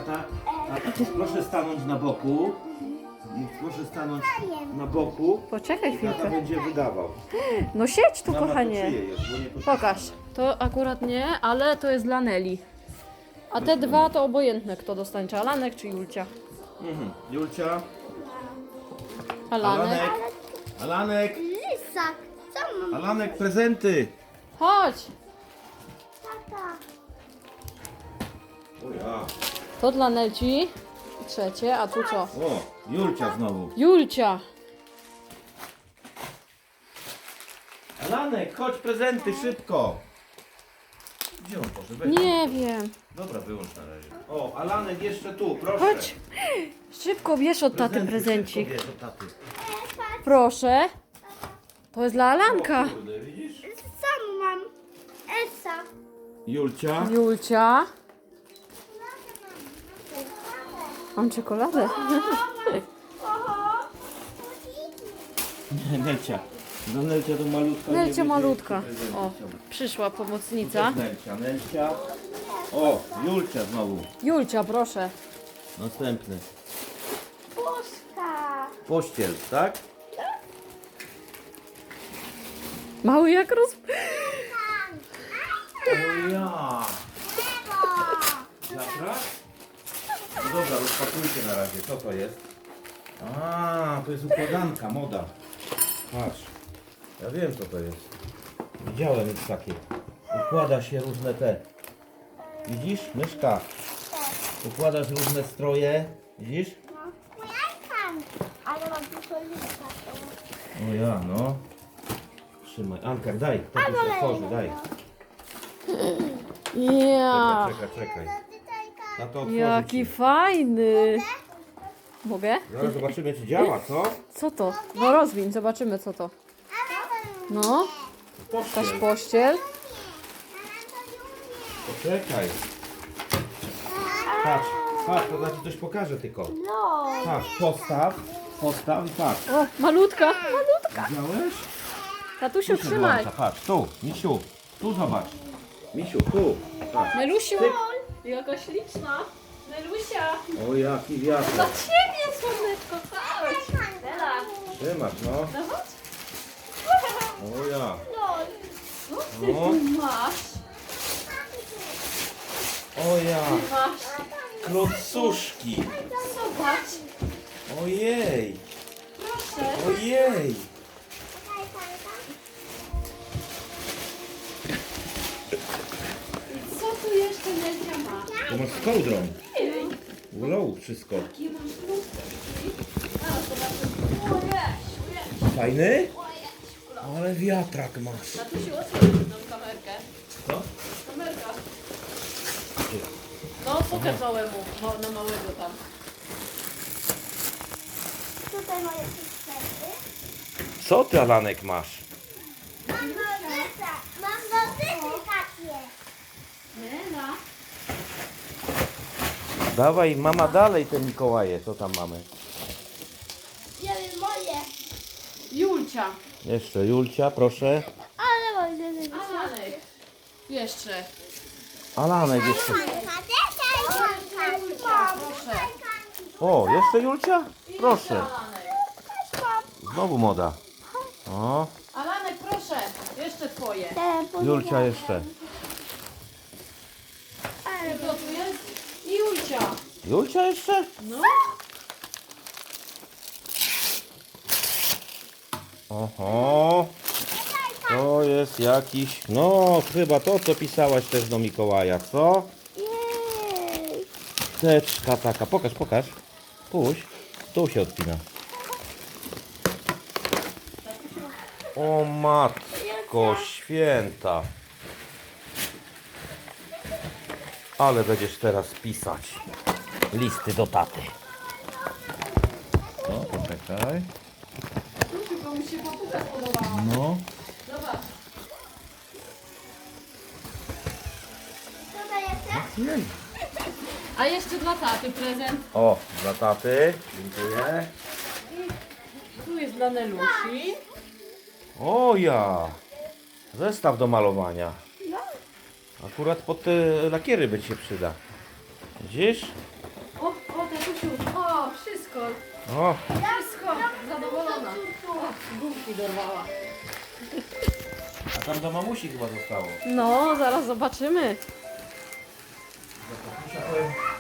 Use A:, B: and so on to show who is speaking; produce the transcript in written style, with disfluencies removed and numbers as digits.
A: tata, proszę stanąć na boku. Proszę stanąć na boku.
B: Poczekaj
A: Tata
B: chwilkę.
A: będzie wydawał.
B: No siedź tu,
A: Mama, to
B: kochanie.
A: czyje jest, bo nie potrafię.
B: Pokaż. To akurat nie, ale to jest dla Neli. A te dwa to obojętne, kto dostanie, czy Alanek, czy Julcia.
A: Julcia,
B: Alanek.
A: Alanek,
C: Lisak, co mam?
A: Alanek, prezenty.
B: Chodź.
C: Tata.
A: O ja.
B: To dla Nelci. Trzecie, a tu co?
A: O, Julcia znowu.
B: Julcia.
A: Alanek, chodź prezenty, szybko. Gdzie on poszedł? Weź.
B: Nie wiem.
A: Dobra, wyłącz na razie. O, Alanek jeszcze tu, proszę.
B: Chodź. Szybko bierz od taty
A: Prezenty,
B: prezencik.
A: szybko bierz od taty.
B: Proszę. To jest dla Alanka.
A: O, kurde, widzisz?
C: Sam mam. Esa.
A: Julcia.
B: Julcia. Mam czekoladę.
C: Oho.
A: Nie, Nelcia. No Nelcia to malutka. nie
B: Nelcia
A: będzie
B: malutka.
A: prezenty
B: O,
A: chciała.
B: przyszła
A: To
B: pomocnica.
A: jest Nelcia, Nelcia. O, Julcia znowu.
B: Julcia, proszę.
A: Następny.
C: Puszka.
A: Pościel, tak?
B: Mały jak
A: O ja. Wiatrak? No dobra, rozpakujcie na razie. Co to jest? A, to jest układanka, moda. Patrz. Ja wiem co to jest. Widziałem już takie. Układa się różne te. Widzisz? Myszka. Układasz różne stroje. Widzisz?
C: No. Jajkan. Ale mam tylko lista.
A: O ja, no. Trzymaj. Ankar, daj. To się otworzy, daj.
B: Ja.
A: Czekaj. Na to otworzy
B: Jaki
A: ci.
B: fajny. Mogę?
A: Zaraz zobaczymy czy działa, co?
B: Co to? No rozwiń, zobaczymy co to. No, jakaś
A: Pościel.
B: pościel.
A: Poczekaj. Patrz, to znaczy coś pokażę tylko.
C: No.
A: Patrz, postaw i patrz.
B: O, malutka, malutka.
A: Widziałeś?
B: Tatusiu,
A: Tu się
B: trzymaj.
A: włącza, patrz, tu, Misiu, tu zobacz. Misiu, tu, patrz.
B: Nelusiu,
A: Tyk.
B: jaka śliczna. Nelusia.
A: O jaki wiatr.
B: Dla ciebie, słoneczko, chodź. Nela.
A: Trzymasz, no.
B: No chodź.
A: O ja.
B: Co ty
A: No.
B: tu masz?
A: O ja.
B: Masz.
A: Klocuszki.
B: Zobacz.
A: Ojej.
B: Proszę.
A: Ojej.
B: I co tu jeszcze Nelcia ma?
A: To masz z kołdrą.
B: Jej.
A: Ulał wszystko.
B: Jakie masz lusteczki? Zaraz zobaczymy. Ojej.
A: Fajny? Ale wiatrak masz.
B: Tatusiu, otwórz tą kamerkę.
A: Co?
B: Kamerka. No, pokaż małemu, na małego tam.
C: Tutaj moje pistolet.
A: Co ty, Alanek, masz?
C: Mam nożyce. Mam nożyce takie.
B: Nela.
A: Dawaj, mama, dalej te Mikołaje. Co tam mamy?
C: Nie wiem, moje.
B: Julcia.
A: Jeszcze Julcia, proszę.
C: Ale moje nożyce.
B: Alanek. Jeszcze.
A: Alanek jeszcze.
B: Proszę.
A: O, jeszcze Julcia? Proszę.
B: Alanek.
A: Znowu moda. O,
B: Alanek, proszę. Jeszcze twoje.
A: Julcia jeszcze.
B: I to tu jest? I Julcia.
A: Julcia jeszcze?
B: No.
A: Oho. To jest jakiś... No, chyba to, co pisałaś też do Mikołaja, co?
C: Jej.
A: Teczka taka. Pokaż. Puść. Tu się odpina. O matko święta. Ale będziesz teraz pisać listy do taty. No, poczekaj.
B: Tylko mi się papuga spodobała.
A: No.
B: Zobacz.
C: Co to jest?
A: Jej.
B: A jeszcze dla taty prezent.
A: O, dla taty. Dziękuję.
B: Tu jest dla Nelusi.
A: O ja. Zestaw do malowania.
C: No.
A: Akurat pod te lakiery by ci się przyda. Widzisz?
B: Mamusiu, o, wszystko.
A: O,
B: Wszystko. Zadowolona. O, gumki dorwała.
A: a tam do mamusi chyba zostało.
B: No, zaraz zobaczymy.
A: Za tatusia powiem,